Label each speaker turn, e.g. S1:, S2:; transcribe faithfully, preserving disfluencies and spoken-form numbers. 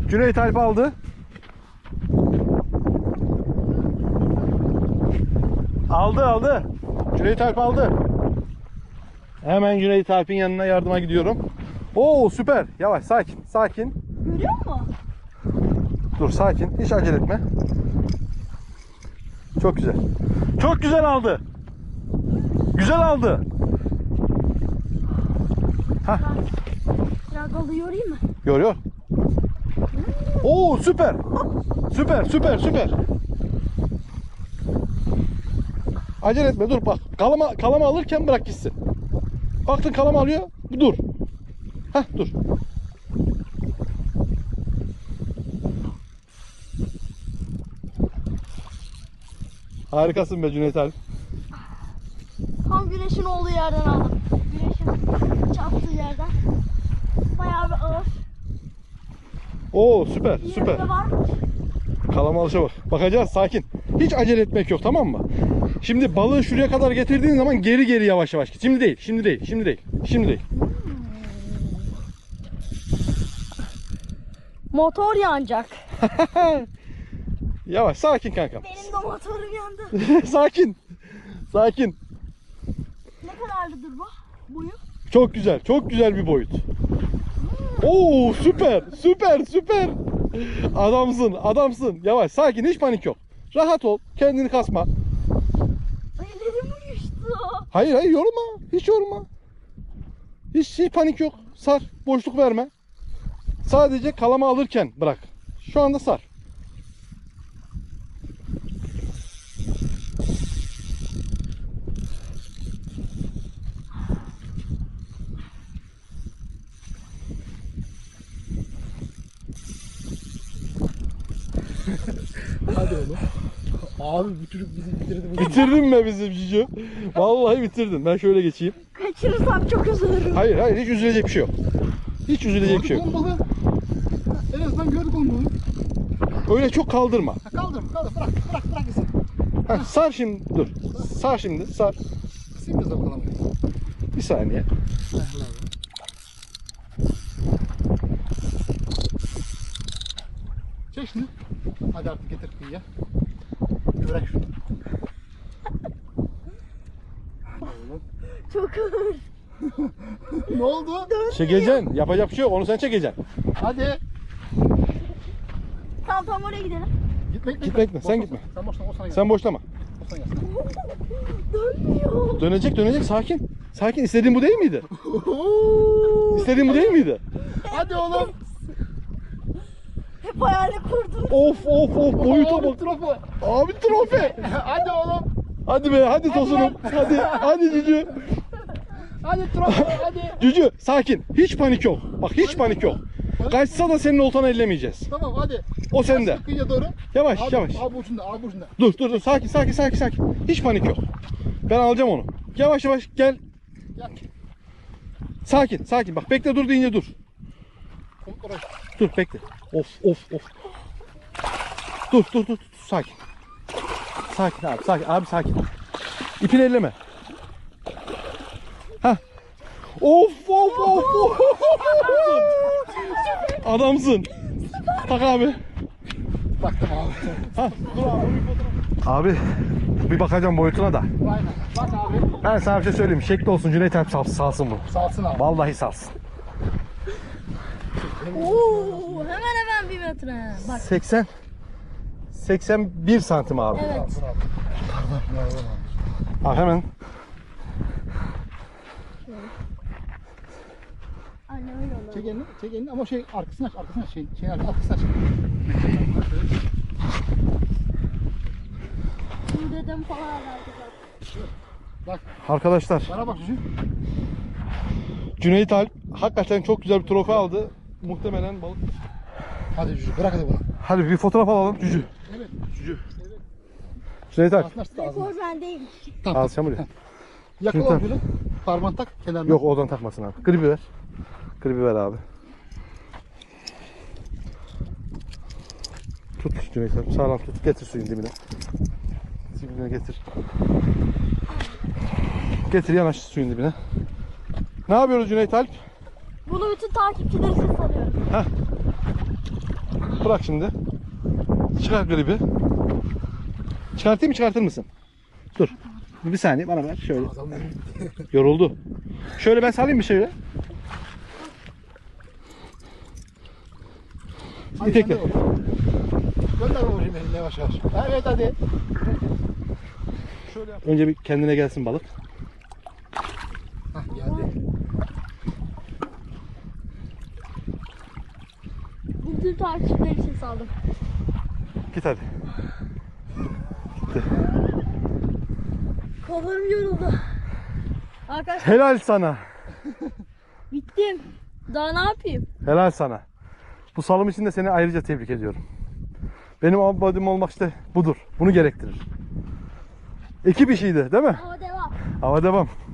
S1: Cüneyt Alp aldı. Aldı aldı. Cüneyt Alp aldı. Hemen Cüneyt Alp'in yanına yardıma gidiyorum. Oo süper. Yavaş, sakin, sakin.
S2: Görüyor musun?
S1: Dur, sakin. Hiç acele etme. Çok güzel. Çok güzel aldı. Güzel aldı. Hah.
S2: Biraz balığı yorayım mı?
S1: Görüyor. Oo süper. Süper, süper, süper. Acele etme, dur bak. Kalama kalama alırken bırak gitsin. Baktın kalama alıyor. Dur. Hah, dur. Harikasın be Cüneyt abi.
S2: Tam güneşin olduğu yerden aldım. Güneşin çarptığı yerden. Bayağı bir ağır.
S1: Oo süper, süper.
S2: Yerinde var mı?
S1: Kalama alışa bak. Bakacağız, sakin. Hiç acele etmek yok, tamam mı? Şimdi balığı şuraya kadar getirdiğin zaman geri geri yavaş yavaş git. Şimdi değil, şimdi değil, şimdi değil, şimdi değil.
S2: Motor yanacak.
S1: Yavaş, sakin kankam.
S2: Benim de motorum yandı.
S1: Sakin. Sakin.
S2: Ne kadarlıdır bu? Boyu?
S1: Çok güzel, çok güzel bir boyut. Oo süper, süper, süper. Adamsın, adamsın. Yavaş, sakin, hiç panik yok. Rahat ol, kendini kasma.
S2: Ellerim uyuştu.
S1: Hayır, hayır, yorma. Hiç yorma. Hiç, hiç panik yok. Sar, boşluk verme. Sadece kalama alırken bırak. Şu anda sar.
S3: Hadi oğlum. Abi bu çocuk bizi bitirdi.
S1: Bitirdin mi bizim Cicu? Vallahi bitirdin. Ben şöyle geçeyim.
S2: Kaçırırsam çok üzülürüm.
S1: Hayır, hayır, hiç üzülecek bir şey yok. Hiç üzülecek bir şey yok.
S3: Gördük oğlum balığı. En azından gördük oğlum balığı.
S1: Öyle çok kaldırma.
S3: Ha, kaldır kaldır bırak bırak bırak gitsin.
S1: Heh, sar şimdi, dur. Sar şimdi, sar.
S3: Kısayım biraz bakalım.
S1: Bir saniye.
S3: Çek şunu. Hadi artık getir kıyıya. Bırak şunu.
S2: Çok ağır.
S3: Ne oldu?
S1: Çekeceksin. Yapacak bir şey yok. Onu sen çekeceksin.
S3: Hadi.
S2: Tamam tamam oraya gidelim.
S3: Gitme gitme.
S1: Gitme, gitme, sen
S3: Boşla,
S1: gitme.
S3: Sen boşla o sana gel.
S1: Sen boşlama.
S3: O sana gelsin.
S2: Dönmüyor.
S1: Dönecek, dönecek. Sakin. Sakin. İstediğin bu değil miydi? İstediğin bu değil miydi?
S3: Hadi oğlum.
S2: Hep hayali kurdum.
S1: Of of of. Boyuta
S3: Abi,
S1: bak.
S3: trofu.
S1: Abi trofe.
S3: Hadi oğlum.
S1: Hadi be, hadi tosunum. Hadi, hadi Cücü.
S3: Hadi trofu hadi.
S1: Cücü, sakin. Hiç panik yok. Bak, hiç panik yok. Kaçsa da senin oltanı ellemeyeceğiz.
S3: Tamam hadi.
S1: O sende.
S3: Bas Kıyıya doğru.
S1: Yavaş,
S3: Abi,
S1: yavaş.
S3: Abi ucunda abi ucunda.
S1: Dur, dur, dur. Sakin, sakin, sakin, sakin. Hiç panik yok. Ben alacağım onu. Yavaş yavaş gel.
S3: Gel.
S1: Sakin, sakin. Bak, bekle, dur deyince dur.
S3: Komut oraya.
S1: Dur, bekle. Of, of, of. Dur, dur, dur, dur. Sakin. Sakin abi, sakin. Abi sakin. İpini elleme. Hah. Of, of, of, of. Adamsın. Tak abi.
S3: Baktım abi.
S1: Ha, dur abi. Abi, bir bakacağım boyutuna da.
S3: Aynen. Bak abi.
S1: Ben sana bir şey söyleyeyim. Şekli olsun, Cüneyt Alp sal, salsın bunu.
S3: Salsın abi.
S1: Vallahi salsın.
S2: Oo, hemen hemen bir metre. Bak.
S1: seksen seksen bir santim abi.
S2: Evet.
S1: Abi hemen.
S2: Anne öyle olur.
S3: Çek elini, çek elini ama şey arkasını aç, arkasını aç, şeyin, şeyin arkasını aç.
S2: Bu dedem falan verdi bak.
S3: Bak,
S1: Arkadaşlar,
S3: bana bak Cücü.
S1: Cüneyt Alp hakikaten çok güzel bir trofe aldı. Muhtemelen balık.
S3: Hadi Cücü, bırak hadi bunu.
S1: Hadi bir fotoğraf alalım Cücü.
S3: Evet.
S1: Cücü. Cüneyt Alp.
S3: Ağzını aç, ağzını.
S2: Rekor bendeyim.
S3: Tamam.
S1: Al sen buraya.
S3: Yakala
S1: Şimdi-
S3: ucunu. Parmağını tak kenarına.
S1: Yok, oradan takmasın abi. Gribi ver. Gribi ver abi. Tut Cüneyt Alp. Sağlam tut. Getir suyun dibine. Dibine getir. Getir, yanaş suyun dibine. Ne yapıyoruz Cüneyt Alp?
S2: Bunu bütün takipçiler için salıyorum.
S1: Heh. Bırak şimdi. Çıkar gribi. Çıkartayım mı, çıkartır mısın? Dur. Bir saniye bana ver şöyle.
S3: Adam
S1: Yoruldu. Şöyle ben salayım mı şöyle?
S3: Hadi
S1: İtekle.
S3: gönder bakayım. Gönder bakayım elini yavaş yavaş. Evet hadi. Şöyle yap.
S1: Önce bir kendine gelsin balık.
S3: Hah geldi.
S2: Bütün takipçiler için saldım.
S1: Git hadi.
S2: Kollarım yoruldu. Arkadaşlar
S1: Helal sana.
S2: bittim. Daha ne yapayım?
S1: Helal sana. Bu salım için de seni ayrıca tebrik ediyorum. Benim abadim olmak işte budur. Bunu gerektirir. Ekip işiydi değil mi?
S2: Ama devam.
S1: Ama devam.